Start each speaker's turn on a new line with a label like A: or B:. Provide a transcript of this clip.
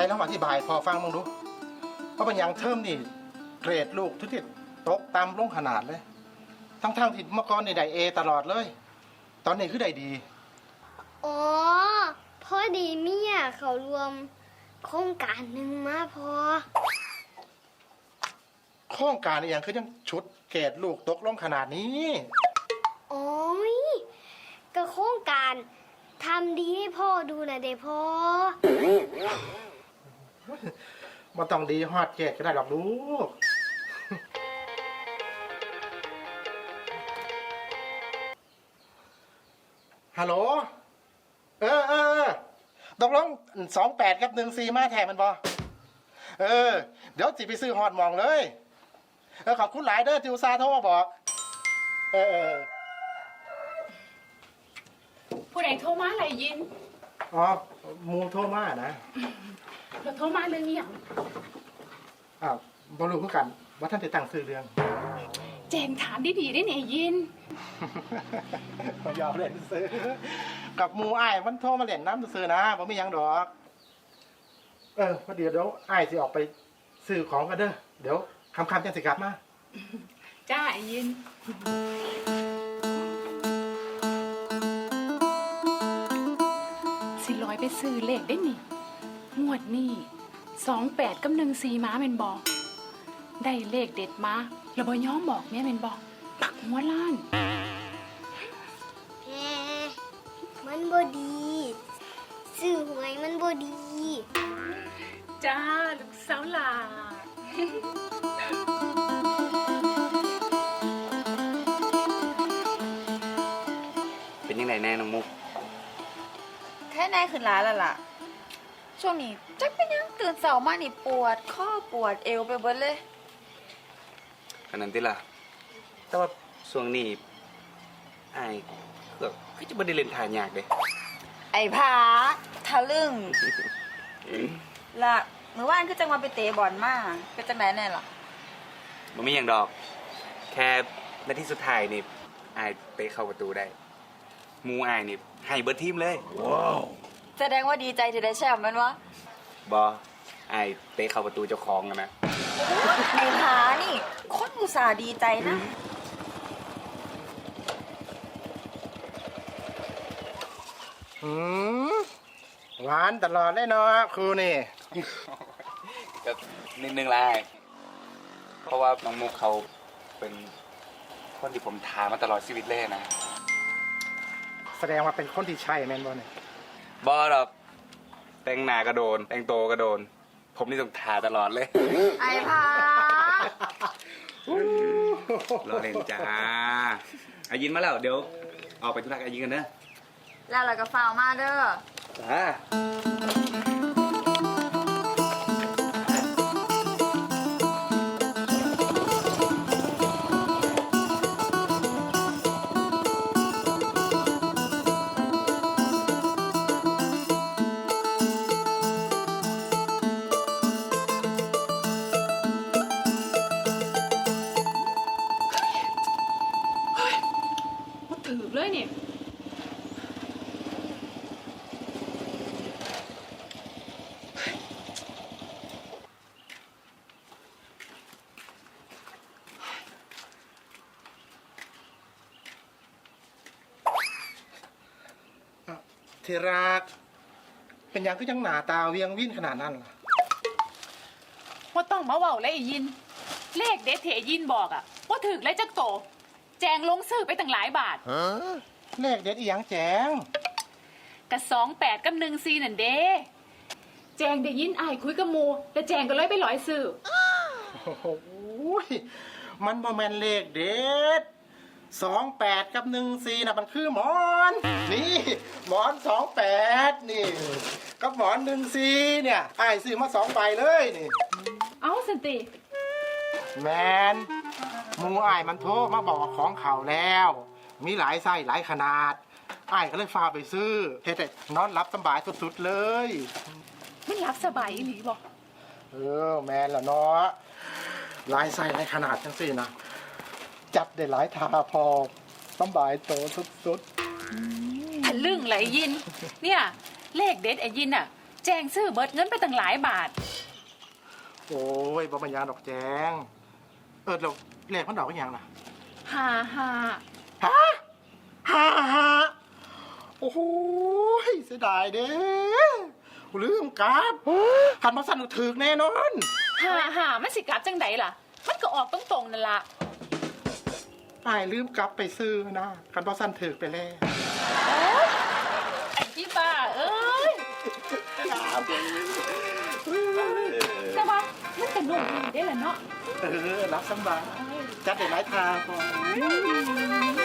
A: ลองอธิบายพอฟังมึงดูเพราะเป็นอย่างเทอมนี่เกรดลูกทุกที่ตกต่ำลงขนาดเลยทั้งที่เมื่อก่อนในได้เอตลอดเลย ตอนนี้คือได้ดี
B: อ๋อพอดีเมียเขารวมโครงการหนึ่งมาพอ
A: โครงการอหย่างคือยังชุดเกรดลูกตกลงขนาดนี้
B: โอ้ยก็โครงการทำดีให้พ่อดูนะเด้พ่อ
A: มันต้องดีฮอดเกรดก็ได้หรอกลูก ฮัลโหลตกลง28 กับ 14 มาแทนมันบอเดี๋ยวสิไปซื้อฮอดหมองเลย ขอบคุณหลายเด้อที่อุตส่าห์โทรมาบอก
C: ผู้ใดโทรมาอะไรยิน
A: อ๋อหมูโทรมานะ
C: เราโทรมาเรื่องนี้อย่าง
A: อ้าวบรู้คือกันว่าท่านจะตั้งซื้อเรื่อง
C: แจงถามดีๆได้เนี่ยยิน
A: ยอมเล่นซื้อ กับหมูอ้ายมันโทรมาเล่นน้ำซื้อนะผมไม่ยังดอกพอเดี๋ยวอ้ายสิออกไปซื้อของกันเด้อเดี๋ยวคำจังสิกลับมา
C: จ้าไอ้ยิน สิลอยไปซื้อเลขได้นี่งวดนี่28 กับ 14 ม้าเมนบอกได้เลขเด็ดมาแล้วบ่ย้อมบอกแม่เมนบอกปักหัวล้าน
B: แหมมันบ่ดีซื้อหวยมันบ่ดี
C: จ้าลูกสาวหลา
D: เป็นยังไงแน่น้องมุก
E: แค่นายขึ้นร้านแล้วล่ะ ช่วงนี้จักเป็นยังตื่นเสาร์มานี่ปวดข้อปวดเอวไปเบิดเลย
D: อันนั้นที่ล่ะ แต่ว่าช่วงนี้ไอ้ก็จะไม่ได้เล่นทานยากเลย
E: ไอ้ผาทะลึ่งละเมื่อวานคือจังมาไปเตะบอลมาเป็นจังไหนแน่ล่ะ
D: มันไม่อย่างดอก แค่นาทีสุดท้ายนี่ไอ้เตะเข้าประตูได้หมูไอ้นี่ให้เบิร์ดทีมเลย ว้าว
E: แสดงว่าดีใจที่ได้แชมป์แมันวะ
D: บอไอ้เตะเข้าประตูเจ้าของกันนะ
E: ไอ้ผานี่คนอุตส่าห์ดีใจนะ
A: หวานตลอดเลยเนาะครูนี่
D: ก็นิดนึงละเพราะว่าน้องมุกเขาเป็นคนที่ผมทามาตลอดชีวิตเลยนะ
A: แสดงว่าเป็นคนที่ใช่แมนบอลเนี่ย
D: บอหรอกแต่งหน้าก็โดน แต่งโตวก็โดน ผมนี่ต้องทาตลอดเลย
E: ไอ้ผาร
D: อเล่นจ้าอายินมาแล้ว เดี๋ยวออกไปธุระกับอายินกันเนอะ
E: แล้วเราก็ฟาวมาเด้อ
D: จ้า
C: มาถือเลยเนี่ย
A: ที่รัก เป็นอย่างคือยังหนาตาเวียงวิ่นขนาดนั้นล่ะ
C: ว่าต้องมาเว้าเลยไอ้ยิน เลขเด็ดเถยินบอกอะว่าถึกเลยจักโต แจงลงซื้อไปตั้งหลายบาท
A: เลขเด็ดอีหยังแจง
C: กับ28 กับ 14นั่นเด้แจงได้ยินอ้ายคุยกับหมูแล้วแจงก็เลยไปร้อยซื้อ
A: โอ้โหมันบ่แม่นเลขเด็ด28 กับ 14นะมันคือหมอน นี่หมอน 28 นี่กับหมอน 14เนี่ยอ้ายซื้อมา2 ใบเลยนี่
C: เอ้าสันติ
A: แมนหมูอ้ายมันโทรมาบอกว่าของเขาแล้ว มีหลายไส้หลายขนาดอ้ายก็เลยพาไปซื้อเฮ็ดให้นอนรับสบายสุดๆเลย
C: ไม่รับสบายอีหลีบอก
A: แมนละเนาะหลายไส้หลายขนาดจังสินะจับได้หลายทาพอสบายโตสุด
C: ทะลึ่งไหลยิน เนี่ย เลขเด็ดไอ้ยินอะแจงซื้อเบิดเงินไปตั้งหลายบาท
A: โอ้ยบ่มันยางดอกแจงเราเลขมันดอกเป็นหยังล่ะ
C: หา
A: ฮ่าโอ้โหเสียดายเด้ลืมกราบขันมาสั่นถึกแน่นอน
C: มันสิกลับจังไดล่ะ มันก็ออกตรงๆนั่นล่ะ
A: อายลืมกลับไปซื้อนะขันมาสั่นถึกไปแล้ว
C: ไอ้ที่บ้าเอ้ยแต่ว่ามันก็นุ่มดีได้แหละเนาะ
A: รับสบายจัดได้หลายทางพอ